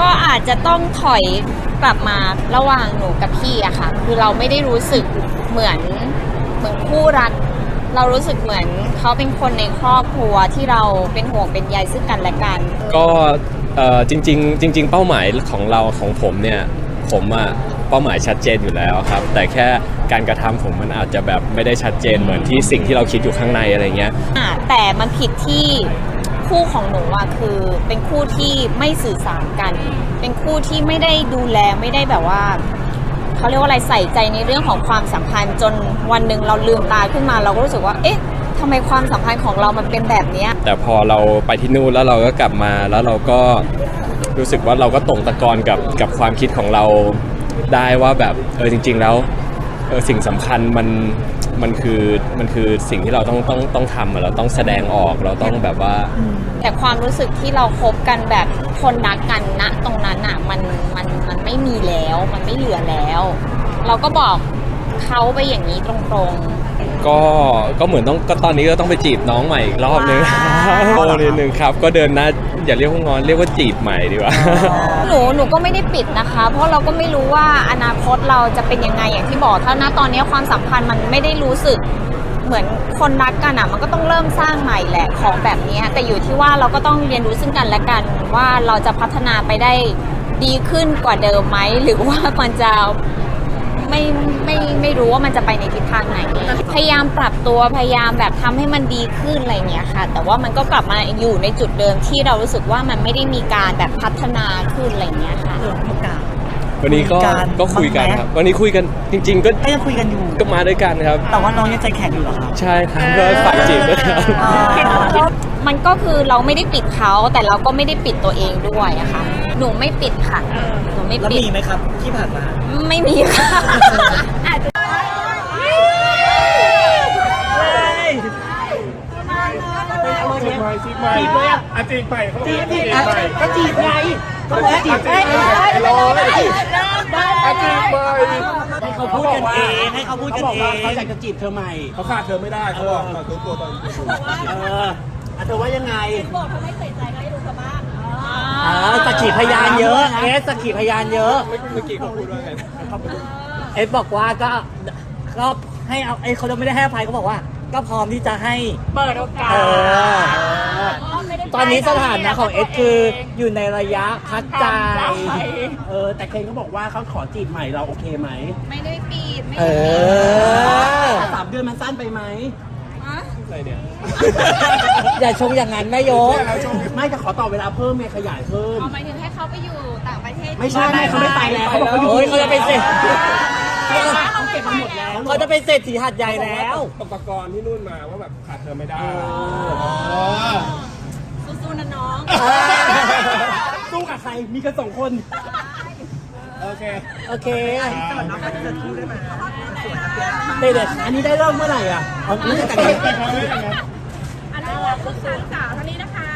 ก็อาจจะต้องถอยกลับมาระหว่างหนูกับพี่อะค่ะคือเราไม่ได้รู้สึกเหมือนคู่รักเรารู้สึกเหมือนเขาเป็นคนในครอบครัวที่เราเป็นห่วงเป็นใยซึ่งกันและกันก็จริงเป้าหมายของเราของผมเนี่ยผมอะเป้าหมายชัดเจนอยู่แล้วครับแต่แค่การกระทำผมมันอาจจะแบบไม่ได้ชัดเจนเหมือนที่สิ่งที่เราคิดอยู่ข้างในอะไรเงี้ยแต่มันผิดที่คู่ของหนูอะคือเป็นคู่ที่ไม่สื่อสารกันเป็นคู่ที่ไม่ได้ดูแลไม่ได้แบบว่าเขาเรียกว่าอะไรใส่ใจในเรื่องของความสัมพันธ์จนวันหนึ่งเราลืมตาขึ้นมาเราก็รู้สึกว่าเอ๊ะทำไมความสัมพันธ์ของเรามันเป็นแบบนี้แต่พอเราไปที่นู่นแล้วเราก็กลับมาแล้วเราก็รู้สึกว่าเราก็ตรงตะกอนกับความคิดของเราได้ว่าแบบจริงๆแล้วสิ่งสำคัญมันคือสิ่งที่เราต้องทำเราต้องแสดงออกเราต้องแบบว่าแต่ความรู้สึกที่เราคบกันแบบคนรักกันณตรงนั้นอ่ะมันไม่มีแล้วมันไม่เหลือแล้วเราก็บอกเขาไปอย่างนี้ตรงๆก็เหมือนก็ตอนนี้ก็ต้องไปจีบน้องใหม่อีกรอบนึงโอ้นิดนึงครับก็เดินหน้าอย่าเรียกว่างอนเรียกว่าจีบใหม่ดีกว่าหนูก็ไม่ได้ปิดนะคะเพราะเราก็ไม่รู้ว่าอนาคตเราจะเป็นยังไงอย่างที่บอกถ้าณตอนนี้ความสัมพันธ์มันไม่ได้รู้สึกเหมือนคนรักกันอ่ะมันก็ต้องเริ่มสร้างใหม่แหละของแบบนี้แต่อยู่ที่ว่าเราก็ต้องเรียนรู้ซึ่งกันและกันว่าเราจะพัฒนาไปได้ดีขึ้นกว่าเดิมไหมหรือว่ามันจะไม่รู้ว่ามันจะไปในทิศทางไหนพยายามปรับตัวพยายามแบบทำให้มันดีขึ้นอะไรเงี้ยค่ะแต่ว่ามันก็กลับมาอยู่ในจุดเดิมที่เรารู้สึกว่ามันไม่ได้มีการแบบพัฒนาขึ้นอะไรเงี้ยค่ะวันนี้ก็คุยกันครับวันนี้คุยกันจริงๆก็ยังคุยกันอยู่ก็มาด้วยกันครับแต่ว่าน้องยังใจแข็งอยู่เหรอครับใช่ครับก็ฝากจีบด้วยครับมันก็คือเราไม่ได้ปิดเขาแต่เราก็ไม่ได้ปิดตัวเองด้วยอะค่ะหนูไม่ปิดค่ะหนูไม่ปิดแล้วมีไหมครับที่ผ่านมาไม่มีค่ะจีบใหม่เลยอ่ะจีบใหม่เขาจีบก็จีบไงก็จีบได้จีบใหม่ให้เขาพูดกันเองให้เขาพูดกันเองเขาอยากจะจีบเธอใหม่เขาขาดเธอไม่ได้เขาบอกตัวตอนเธอว่ายังไงบอกเธอไม่ใส่ใจก็ให้ดูเธอบ้างสักขีพยานเยอะสักขีพยานเยอะเมื่อกี้เขาพูดว่าไงบอกว่าก็ให้เอาเขาไม่ได้ให้อภัยเขาบอกว่าก็พร้อมที่จะให้เปิดโอกาสตอนนี้สถานะของคืออยู่ในระยะพักใจแต่เคนเขาบอกว่าเขาขอจีบใหม่เราโอเคไหมไม่ได้ปิดไม่ได้3 เดือนมันสั้นไปไหมอะไรเนี่ยอย่าชงอย่างนั้นแม่ยกไม่จะขอต่อเวลาเพิ่มไงขยายเพิ่มหมายถึงให้เขาไปอยู่ต่างประเทศไม่ใช่เขาไม่ไปแล้วเขาบอกเขาอยู่เขาจะเป็นเศรษฐีเขาเก็บมาหมดแล้วเขาจะเป็นเศรษฐีหัดใหญ่แล้วอุปกรณ์ที่นู่นมาว่าแบบขาดเธอไม่ได้สู้ๆนะน้องสู้กับใครมีกัน2 คนโอเคน้องก็จะทูได้ไหมเด็ดอันนี้ได้เริ่มเมื่อไหร่อ่ะเอาเรื่องแต่งงานอันนี้คือสาวเท่านี้นะคะ